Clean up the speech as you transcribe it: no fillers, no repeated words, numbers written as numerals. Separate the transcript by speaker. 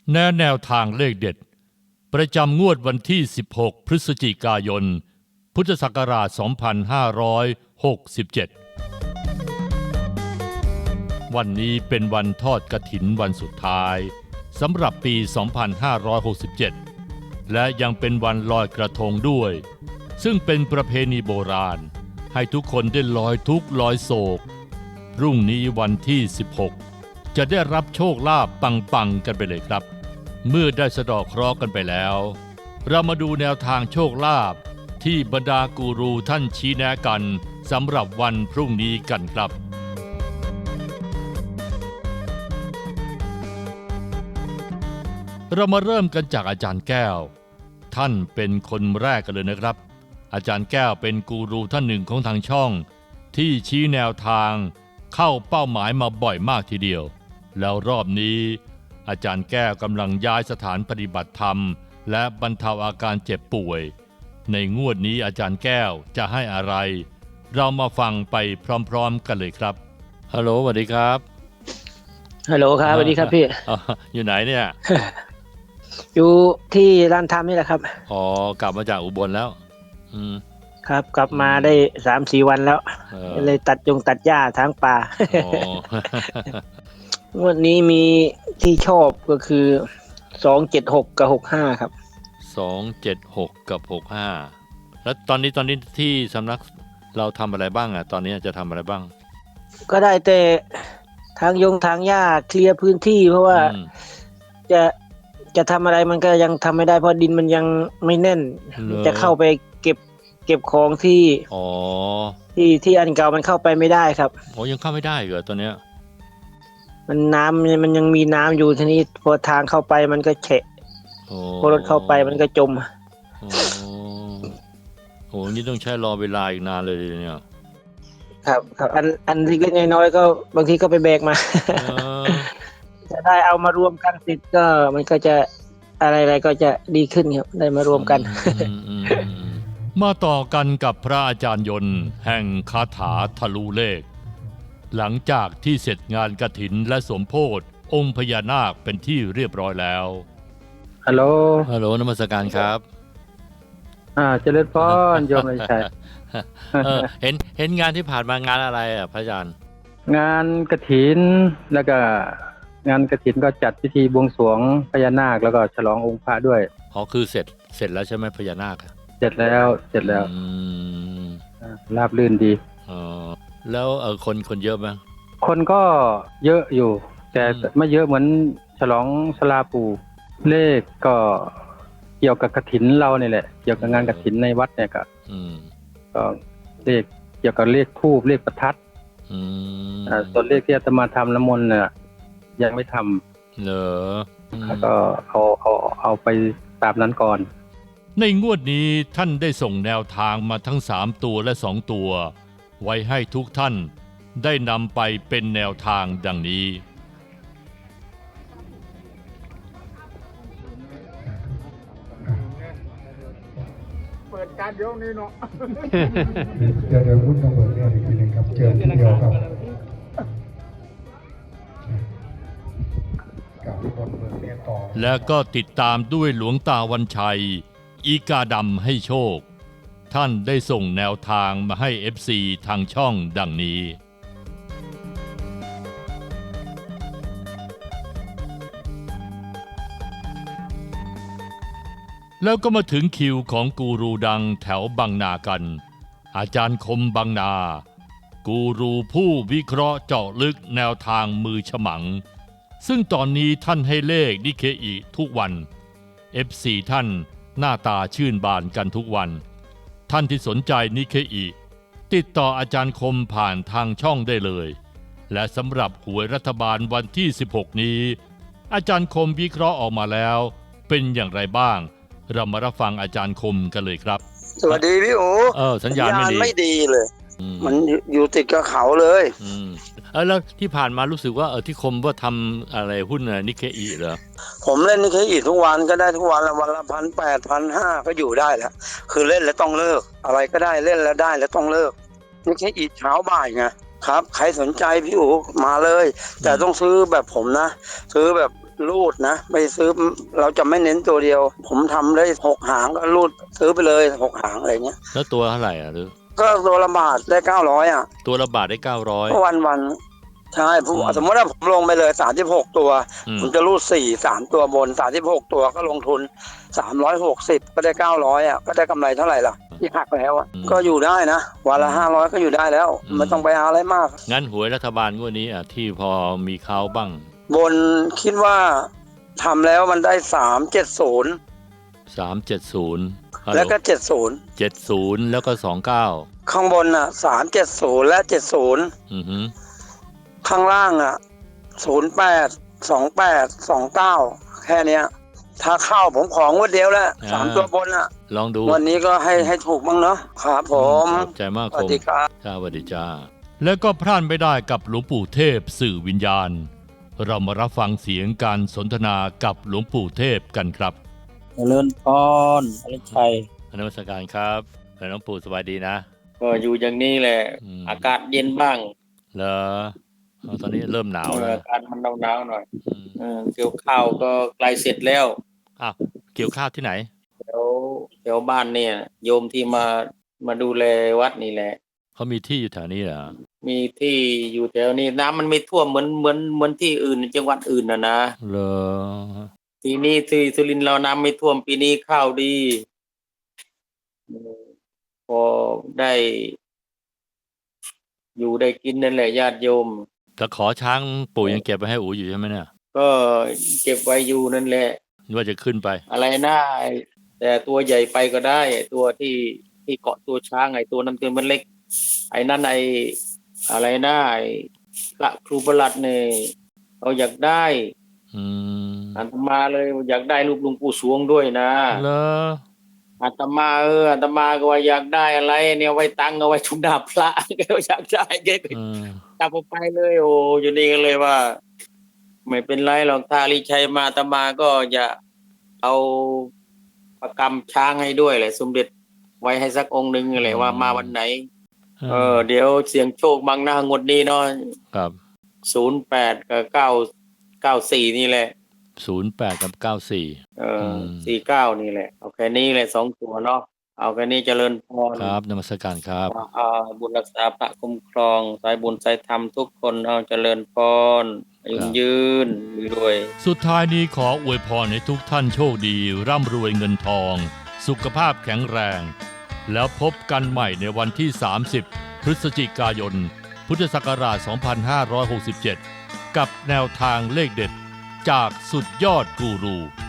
Speaker 1: แนวทางเลขเด็ดประจำงวดวันที่16พฤศจิกายนพุทธศักราช2567วันนี้เป็นวันทอดกฐินวันสุดท้ายสำหรับปี2567และยังเป็นวันลอยกระทงด้วยซึ่งเป็นประเพณีโบราณให้ทุกคนได้ลอยทุกข์ลอยโศกพรุ่งนี้วันที่16จะได้รับโชคลาภปังๆกันไปเลยครับเมื่อได้สะเดาะเคราะห์กันไปแล้วเรามาดูแนวทางโชคลาภที่บรรดากูรูท่านชี้แนะกันสำหรับวันพรุ่งนี้กันครับเรามาเริ่มกันจากอาจารย์แก้วท่านเป็นคนแรกกันเลยนะครับอาจารย์แก้วเป็นกูรูท่านหนึ่งของทางช่องที่ชี้แนวทางเข้าเป้าหมายมาบ่อยมากทีเดียวแล้วรอบนี้อาจารย์แก้วกำลังย้ายสถานปฏิบัติธรรมและบรรเทาอาการเจ็บป่วยในงวดนี้อาจารย์แก้วจะให้อะไรเรามาฟังไปพร้อมๆกันเลยครับฮัลโหลสวัสดีครับ
Speaker 2: ฮัลโหลครับสวัสดีครับพี่
Speaker 1: อยู่ไหนเนี่ย
Speaker 2: อยู่ที่ร้านทำนี่แหละครับ
Speaker 1: อ๋อกลับมาจากอุบลแล้ว
Speaker 2: ครับกลับมาได้ 3-4 วันแล้วเลยตัดหญ้าทางป่า งวดนี้มีที่ชอบก็คือ276กับ65ครับ
Speaker 1: 276กับ65แล้วตอนนี้ที่สำนักเราทำอะไรบ้างอ่ะตอนนี้จะทำอะไรบ้าง
Speaker 2: ก็ได้แต่ทางหญ้าเคลียร์พื้นที่เพราะว่าจะทำอะไรมันก็ยังทำไม่ได้เพราะดินมันยังไม่แน่นจะเข้าไปเก็บของที่อันเก่ามันเข้าไปไม่ได้ครับ
Speaker 1: โอ้ยังเข้าไม่ได้เหรอตัวเนี้ย
Speaker 2: มันน้ำมันยังมีน้ำอยู่ทีนี้พอทางเข้าไปมันก็แฉะพอรถเข้าไปมันก็จม
Speaker 1: โอ้นี่ต้องใช้รอเวลาอีกนานเลยเนี่ย
Speaker 2: ครับอันเล็กๆน้อยๆก็บางทีก็ไปแบกมาจะได้เอามารวมกันติดก็มันก็จะอะไรก็จะดีขึ้นครับได้มารวมกัน
Speaker 1: มาต่อกันกับพระอาจารย์ยนต์แห่งคาถาทะลุเลขหลังจากที่เสร็จงานกฐินและสมโภชองค์พญานาคเป็นที่เรียบร้อยแล้ว
Speaker 2: ฮัลโหล
Speaker 1: นมัสการครับ
Speaker 2: เจริญพรโยมเลยชัย
Speaker 1: เห็นงานที่ผ่านมางานอะไรอ่ะพระอาจารย์
Speaker 2: งานกฐินแล้วก็งานกฐินก็จัดพิธีบวงสรวงพญานาคแล้วก็ฉลององค์พระด้วย
Speaker 1: อ๋อคือเสร็จแล้วใช่ไหมพญานาค
Speaker 2: เสร็จแล้วราบรื่นดี
Speaker 1: อ๋อแล้วคนเยอะไหม
Speaker 2: คนก็เยอะอยู่แต่ไม่เยอะเหมือนฉลองศาลาปู่เลขก็เกี่ยวกับกฐินเราเนี่ยแหละเกี่ยวกับงานกฐินในวัดเนี่ยก็เลขเกี่ยวกับเลขธูปเลขประทัดส่วนเลขที่อาตมาทำน้ำมนต์เนี่ยยังไม่ท
Speaker 1: ำเหรอ
Speaker 2: แล้วก็เอาไปตามนั้นก่อน
Speaker 1: ในงวดนี้ท่านได้ส่งแนวทางมาทั้ง3ตัวและ2ตัวไว้ให้ทุกท่านได้นำไปเป็นแนวทางดังนี้
Speaker 3: เปิดการเดี๋ยวนี้เนาะ
Speaker 4: เดี๋ยวพูดต้องเปิดเนี่ยอีกทีนึงครับเจอทีเดียวครับ
Speaker 1: และก็ติดตามด้วยหลวงตาวันชัยอีกาดำให้โชคท่านได้ส่งแนวทางมาให้ FC ทางช่องดังนี้แล้วก็มาถึงคิวของกูรูดังแถวบางนากันอาจารย์คมบางนากูรูผู้วิเคราะห์เจาะลึกแนวทางมือฉมังซึ่งตอนนี้ท่านให้เลขนิเคอิทุกวัน FC ท่านหน้าตาชื่นบานกันทุกวันท่านที่สนใจนิเคอิติดต่ออาจารย์คมผ่านทางช่องได้เลยและสำหรับหวยรัฐบาลวันที่16นี้อาจารย์คมวิเคราะห์ออกมาแล้วเป็นอย่างไรบ้างเรามารับฟังอาจารย์คมกันเลยครับ
Speaker 5: สวัสดีพี่โอ
Speaker 1: สัญญาณ
Speaker 5: ไม่ดีเลยมันอยู่ติดกับเขาเลย
Speaker 1: แล้วที่ผ่านมารู้สึกว่าที่คมว่าทำอะไรหุ้นนิเคอิเหรอ
Speaker 5: ผมเล่นนิเคอิทุกวันก็ได้ทุกวันละวันละ1,800 1,500ก็อยู่ได้แล้วคือเล่นแล้วต้องเลิกอะไรก็ได้เล่นแล้วได้แล้วต้องเลิกนิเคอิเช้าบ่ายไงครับใครสนใจพี่โอมาเลยแต่ต้องซื้อแบบผมนะซื้อแบบรูดนะไม่ซื้อเราจะไม่เน้นตัวเดียว ผมทำได้6 หางก็รูดซื้อไปเลย6 หางอะไรเงี้ย
Speaker 1: แล้วตัวเท่าไหร่อ่ะหรือ
Speaker 5: ก็ตัวละบาทได้900อ่ะ
Speaker 1: ตัวละบาทได้900
Speaker 5: วันใช่ผมสมมติว่าผมลงไปเลย36ตัวผมจะรูด3ตัวบน36ตัวก็ลงทุน360ก็ได้900อ่ะก็ได้กำไรเท่าไหร่ล่ะที่หักแล้วอ่ะก็อยู่ได้นะวันละ500ก็อยู่ได้แล้วไม่ต้องไปเอาอะไรมาก
Speaker 1: งั้นหวยรัฐบาลงวดนี้อ่ะที่พอมีเขาบ้าง
Speaker 5: บนคิดว่าทำแล้วมันได้370
Speaker 1: 370
Speaker 5: แล้วก็
Speaker 1: 70แล้วก็29
Speaker 5: ข้างบนอ่ะ370และ70
Speaker 1: อือฮึ
Speaker 5: ข้างล่างอ่ะ08 28 29แค่เนี้ยถ้าเข้าผมของงวดเดียวแล้ว3ตัวบนอ่ะ
Speaker 1: ลองดู
Speaker 5: วันนี้ก็ให้ถูกบ้างเนาะครับผม
Speaker 1: ขอบใจมาก
Speaker 5: สวัสดีครับ
Speaker 1: จ้าสวัสดีจ้าแล้วก็พลาดไม่ได้กับหลวงปู่เทพสื่อวิญญาณ เรามารับฟังเสียงการสนทนากับหลวงปู่เทพกันครับ
Speaker 6: เจริญพรอริชัย
Speaker 1: นมัสการครับหลวงปู่สบายดีนะ
Speaker 6: ก็อยู่อย่างนี้แหละ อากาศเย็นบ้าง
Speaker 1: เหรอตอนนี้เริ่มหนาวแล้ว
Speaker 6: อากาศมันหนาวๆหน่อยเกี่ยวข้าวก็ใกล้เสร็จแล้ว
Speaker 1: อ้าวเกี่ยวข้าวที่ไหน
Speaker 6: แถวบ้านเนี่ยโยมที่มาดูแลวัดนี่แหละ
Speaker 1: เขามีที่อยู่แถวนี้เหรอ
Speaker 6: มีที่อยู่แถวนี้น้ำมันไม่ท่วมเหมือนที่อื่นจังหวัดอื่นนะ
Speaker 1: เหรอ
Speaker 6: ทีนี้ที่สุรินทร์เราน้ำไม่ท่วมปีนี้ข้าวดีพอได้อยู่ได้กินนั่นแหละญาติโยม
Speaker 1: แต่ขอช้างปู่ยังเก็บไว้ให้อู๋อยู่ใช่ไหมเนี่ย
Speaker 6: ก็เก็บไว้อยู่นั่นแหละ
Speaker 1: ว่าจะขึ้นไป
Speaker 6: อะไรนะแต่ตัวใหญ่ไปก็ได้ตัวที่เกาะตัวช้างไอ้ตัวนั้นตัวมันเล็กไอ้นั่นไอ้อะไรนะไอ้พระครูประหลัดเนี่ยเราอยากได้อาตมาเลยอยากได้รูปหลวงปู่สวงด้วยนะ
Speaker 1: เหรอ
Speaker 6: อาตมาก็ว่าอยากได้อะไรเนี่ยไว้ตั้งเอาไว้ชุมดาบพระก็อยากได้แกก็จับไปเลยโอ้อยู่นี่กันเลยว่าไม่เป็นไรหรอกถ้าลิชัยมาอาตมาก็จะเอาประกำช้างให้ด้วยแหละสมเด็จไว้ให้สักองค์หนึ่งเลยว่ามาวันไหนเดี๋ยวเสียงโชคบางหน้างวดนี้เนาะ
Speaker 1: ครับ
Speaker 6: 08กับ994นี่แหละ
Speaker 1: 08กับ94
Speaker 6: 49นี่แหละเอาแค่นี้แหละ2ตัวเนาะเอาแค่นี้เจริญพร
Speaker 1: ครับนมัสการครับ
Speaker 6: บุญรักษาพระคุ้มครองสายบุญสายธรรมทุกคนเอาเจริญพรยืนด้วย
Speaker 1: สุดท้ายนี้ขออวยพรให้ทุกท่านโชคดีร่ำรวยเงินทองสุขภาพแข็งแรงแล้วพบกันใหม่ในวันที่30พฤศจิกายนพุทธศักราช2567กับแนวทางเลขเด็ดจากสุดยอดกูรู